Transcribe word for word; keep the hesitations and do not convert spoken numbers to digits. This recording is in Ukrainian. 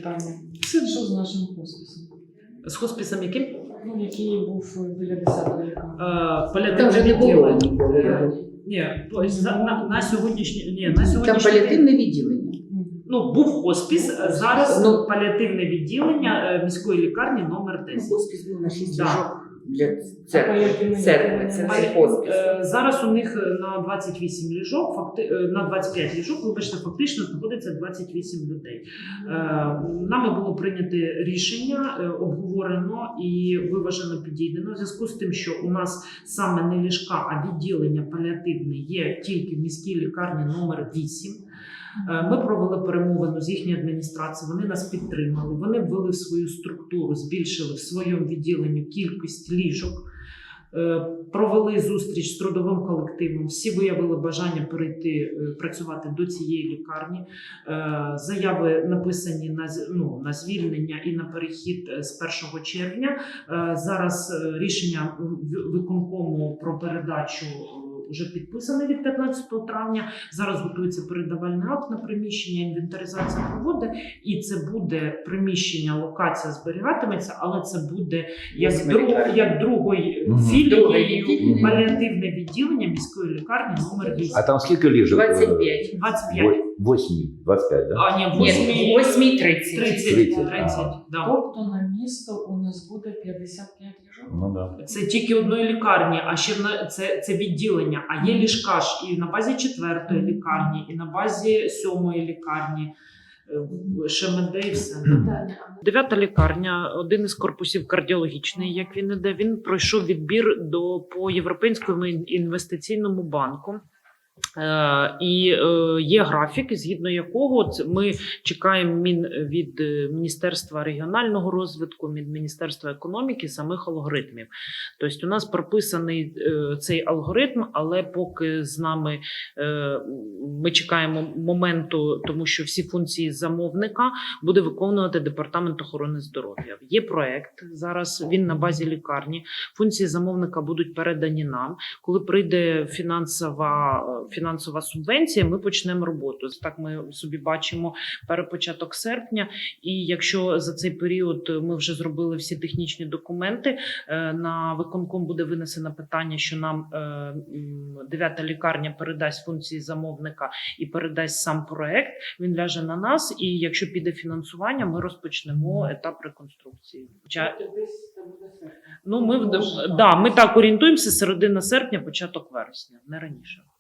питання. Що з нашим хосписом? З хосписом яким? Ну, який був біля десятої лікарні. Е, паліативне Там вже не було відділення. ніколи його. Ні, по- за- на, на сьогоднішній ні, на Там сьогоднішній паліативне відділення. Мгм. ну був хоспіс, а зараз Ну, паліативне відділення е, міської лікарні номер Ну, десять. Хоспис був на шість Да. ліжок для А церкви. паліативне Церкви, це відділення? не хоспис. Е, Зараз у них на двадцять вісім ліжок, факти, е, на двадцять п'ять ліжок, вибачте, фактично знаходиться двадцять вісім людей. Е, Нами було прийнято рішення, е, обговорено і виважено підійдено в зв'язку з тим, що у нас саме не ліжка, а відділення паліативне є тільки в міській лікарні номер вісім. Е, Ми провели перемовину з їхньою адміністрацією, вони нас підтримали, вони ввели в свою структуру, збільшили в своєму відділенні кількість ліжок, е, провели зустріч з трудовим колективом, всі виявили бажання перейти е, працювати до цієї лікарні. Е, Заяви написані на, з- ну, на звільнення і на перехід е, з першого червня. Е, Зараз е, рішення в- виконкому про передачу е, вже підписане від п'ятнадцятого травня. Зараз готується передавальний акт на приміщення, інвентаризація проводить, і це буде приміщення, локація зберігатиметься, але це буде як, Восьма друг, лікарня. як другої Мгм. філії Друге відділення. паліативне відділення міської лікарні номер вісім. А там скільки ліжок? двадцять п'ять. двадцять п'ять. Восьмі, двадцять п'ять, да? А, ні, Ні, восьмій, восьмій тридцять. тридцять. тридцять, тридцять, ага. да. Тобто на місто у нас буде п'ятдесят п'ять ліжок? Ну да. Це тільки одної лікарні, а ще в на- це, це відділення. А є ліжка ж і на базі четвертої лікарні, і на базі сьомої лікарні. е, ШМД і все. Дев'ята лікарня, один із корпусів кардіологічний, як він іде, він пройшов відбір до по Європейському інвестиційному банку. Е, і е, є графік, згідно якого ц- ми чекаємо мін від е, Міністерства регіонального розвитку, від Міністерства економіки самих алгоритмів. Тобто у нас прописаний е, цей алгоритм, але поки з нами е, ми чекаємо моменту, тому що всі функції замовника буде виконувати Департамент охорони здоров'я. Є проект зараз, він на базі лікарні. Функції замовника будуть передані нам. Коли прийде фінансова фінансова субвенція, ми почнемо роботу. Так ми собі бачимо перепочаток серпня. І якщо за цей період ми вже зробили всі технічні документи, е, на виконком буде винесено питання, що нам е, м, дев'ята лікарня передасть функції замовника і передасть сам проект, він ляже на нас. І якщо піде фінансування, ми розпочнемо етап реконструкції. Хоча, ну, ми, в- да, ми так орієнтуємося середина серпня, початок вересня, не раніше.